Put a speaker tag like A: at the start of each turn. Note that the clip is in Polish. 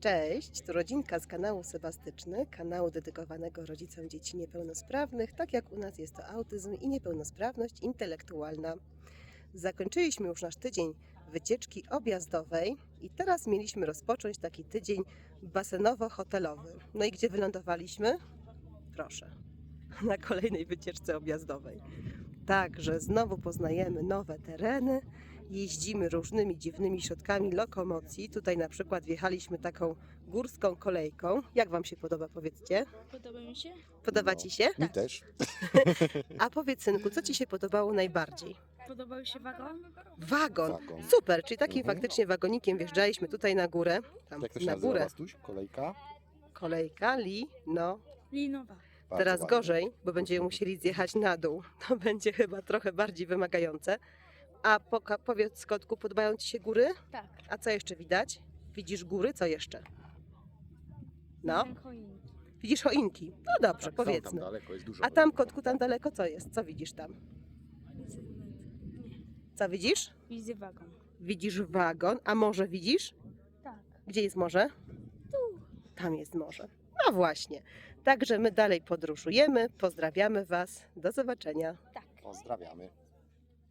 A: Cześć, tu rodzinka z kanału Sebastyczny, kanału dedykowanego rodzicom dzieci niepełnosprawnych, tak jak u nas jest to autyzm i niepełnosprawność intelektualna. Zakończyliśmy już nasz tydzień wycieczki objazdowej i teraz mieliśmy rozpocząć taki tydzień basenowo-hotelowy. No i gdzie wylądowaliśmy? Proszę, na kolejnej wycieczce objazdowej. Także znowu poznajemy nowe tereny, jeździmy różnymi dziwnymi środkami lokomocji. Tutaj na przykład wjechaliśmy taką górską kolejką. Jak Wam się podoba, powiedzcie?
B: Podoba mi się?
A: Podoba Ci się?
C: Mi też.
A: A powiedz, synku, co Ci się podobało najbardziej?
B: Podobał się wagon?
A: Wagon!
C: Wagon.
A: Super, czyli takim faktycznie wagonikiem wjeżdżaliśmy tutaj na górę. Tam
C: Jak to się
A: na
C: nazywa,
A: górę.
C: Bastuś? Kolejka?
A: Kolejka, no.
B: Linowa.
C: Bardzo
A: Teraz
C: ładnie.
A: gorzej, bo będziemy musieli zjechać na dół. To będzie chyba trochę bardziej wymagające. A powiedz, kotku, podobają Ci się góry?
B: Tak.
A: A co jeszcze widać? Widzisz góry, co jeszcze? No,
B: Choinki.
A: widzisz choinki. No dobrze,
C: Tak, są tam
A: powiedzmy.
C: daleko, jest dużo
A: A tam, kotku, tam daleko co jest? Co widzisz tam? Co widzisz?
B: Widzę wagon.
A: Widzisz wagon, a morze widzisz?
B: Tak.
A: Gdzie jest morze?
B: Tu.
A: Tam jest morze. No właśnie. Także my dalej podróżujemy. Pozdrawiamy Was. Do zobaczenia.
B: Tak.
C: Pozdrawiamy.